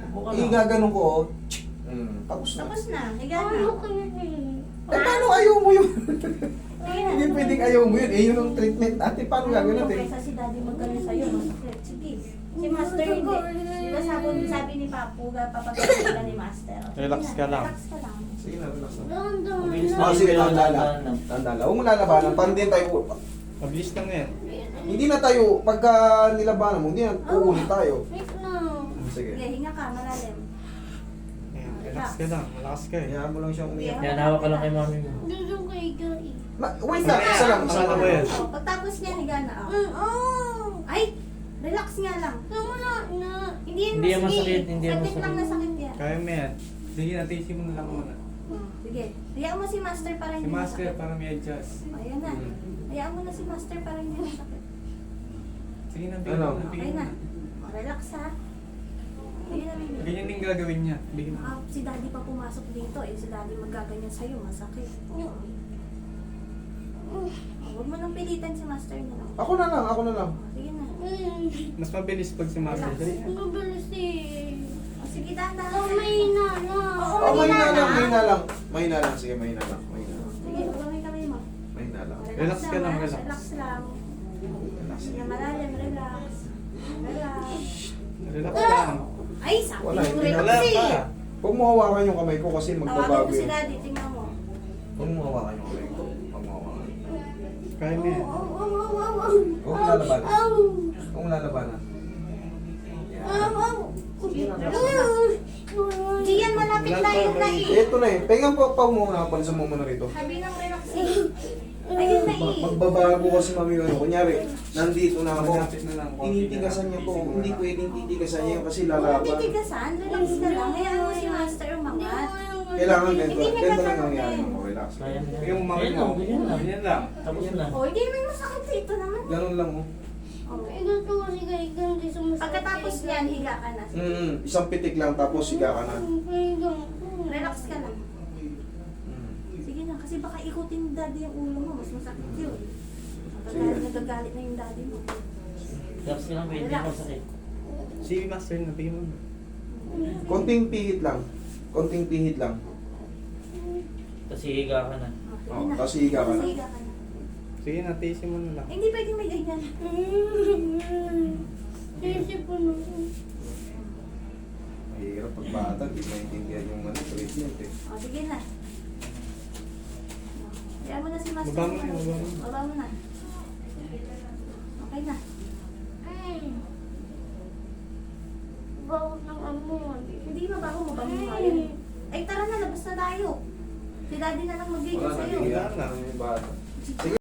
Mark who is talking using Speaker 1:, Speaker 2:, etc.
Speaker 1: Igaganon ko, oh. Tapos na.
Speaker 2: Tapos na, higa na.
Speaker 1: Eh, paano ayaw mo yun?
Speaker 2: Sige na.
Speaker 1: Hindi pwedeng ayaw mo yun. Eh, yun ang treatment natin. Paano gagawin natin?
Speaker 2: Kaysa si daddy magkaroon sa'yo, masakit. Sige. Si Master hindi. Diba sabi ni Papu, papagawin ka ni Master.
Speaker 3: Relax ka lang.
Speaker 2: Relax ka lang.
Speaker 1: Sige na, relax na.
Speaker 4: Mabilis
Speaker 1: Ah, sige, tanda lang. Tanda lang. Huwag mo lalabanan. Paano din tayo?
Speaker 3: Mabilis lang yan.
Speaker 1: Hindi na tayo, pagka nilabanan mo, hindi na uulit tayo. Sige.
Speaker 2: Sige, hinga ka, malalim.
Speaker 3: Ayan, relax ka lang. Malakas ka eh.
Speaker 1: Hayaan mo lang siyang umiyak.
Speaker 4: Yan, hawak ka lang kay mami mo.
Speaker 1: Wait lang, isa lang. Isa
Speaker 3: Ano
Speaker 1: lang.
Speaker 3: ba yan?
Speaker 2: Oh, pagtapos niya, higa na. Oh. Ay! Relax nga lang. Hindi yan masakit.
Speaker 4: Hindi yan
Speaker 2: Sakit lang na sakit yan.
Speaker 3: Kaya mo yan. Sige, natisin mo na lang muna.
Speaker 2: Sige. Hayaan mo si Master para
Speaker 3: Si
Speaker 2: hindi
Speaker 3: Master
Speaker 2: masakit.
Speaker 3: para may adjust.
Speaker 2: Ayan na. Hayaan mo na si Master para hindi masakit.
Speaker 3: Sige na,
Speaker 1: Ano?
Speaker 3: bigyan mo.
Speaker 2: Okay
Speaker 3: Bigyan
Speaker 2: na.
Speaker 3: mo.
Speaker 2: Relax ha. Sige na, baby.
Speaker 3: Ganyan din gagawin niya. Bigyan mo.
Speaker 2: Si daddy pa pumasok dito eh. Si daddy magaganyan sa'yo. Masakit. Huwag mo nang pilitan si Master na lang.
Speaker 1: Ako na lang, ako na lang.
Speaker 2: Sige na.
Speaker 3: Mas mabilis pag si Master. Dali na.
Speaker 2: O, sige, dahan-dahan.
Speaker 1: Oh, mahina lang. Mahina lang. Sige, mahina lang. Mahina lang.
Speaker 2: Sige, huwag kamay mo.
Speaker 1: Mahina lang.
Speaker 3: Relax ka lang,
Speaker 2: ha?
Speaker 3: relax.
Speaker 2: Relax lang.
Speaker 1: Relax.
Speaker 2: Sige, malalim, relax. Relax.
Speaker 3: Relax lang.
Speaker 2: Ay, sabi
Speaker 1: Wala,
Speaker 2: mo
Speaker 1: hindi
Speaker 2: relax
Speaker 3: Wala
Speaker 2: eh.
Speaker 3: pa.
Speaker 1: Huwag mo hawakan yung kamay ko kasi
Speaker 2: Tawagan
Speaker 1: magbabago
Speaker 2: mo si
Speaker 1: yun.
Speaker 2: daddy, tingnan mo.
Speaker 1: Huwag mo hawakan yung kamay ko. Huwag mo hawakan.
Speaker 3: Kaya mo yan.
Speaker 1: Huwag mo lalabanan. Huwag mo lalabanan.
Speaker 2: Gian, malapit tayo na eh.
Speaker 1: Ito na eh. Pengang pa muna. Palisan mo muna rito.
Speaker 2: Sabi ng relax eh. Ayun na eh.
Speaker 1: Magbabago kasi mami ano. Kunyari, nandito na ako.
Speaker 3: Malapit na lang.
Speaker 1: Tinitigasan niya po. Hindi pwedeng titigasan niya kasi
Speaker 2: Huwag
Speaker 1: lalaban.
Speaker 2: titigasan, relax ka lang. Hayaan mo si Master umangat.
Speaker 1: Kailangan ganito.
Speaker 2: Hindi niya
Speaker 1: Ganito lang
Speaker 2: gagawin.
Speaker 1: nangyari mo. Relax.
Speaker 4: Kaya mo yan.
Speaker 3: Yung mami
Speaker 4: Ganyan
Speaker 3: mo.
Speaker 4: lang, ganyan lang.
Speaker 3: Ganyan lang.
Speaker 4: Tapos na.
Speaker 2: O, hindi naman masakit dito naman.
Speaker 1: Ganun lang oh.
Speaker 2: Pagkatapos niyan, higa ka na.
Speaker 1: Isang pitik lang tapos higa ka na.
Speaker 2: Relax ka lang. Sige na, kasi baka ikutin ni daddy yung ulo mo. Mas masakit yun. Nagagalit na yung daddy mo.
Speaker 4: Relax ka lang, pwede ako sakit.
Speaker 3: Si Master na, bigyan mo.
Speaker 1: Konting pihit lang. Konting pihit lang.
Speaker 4: Tapos hihiga ka na.
Speaker 2: O, sige na.
Speaker 1: Tapos higa ka na.
Speaker 2: Tapos higa ka na.
Speaker 3: Sige, natisin mo na lang.
Speaker 2: Eh, hindi pwedeng may ganyan.
Speaker 1: Mahirap pag bata. Hindi maintindihan yung treatment eh.
Speaker 2: O, sige na. Hayaan mo na si Master.
Speaker 3: Baba mo na, baba mo.
Speaker 2: Baba mo na. Okay na. Hindi mabaho mo ba mo Ay, tara na, labas na tayo. Si daddy na lang mag-video
Speaker 1: Wala
Speaker 2: sa'yo.
Speaker 1: nabigyan na yung bata. Sige.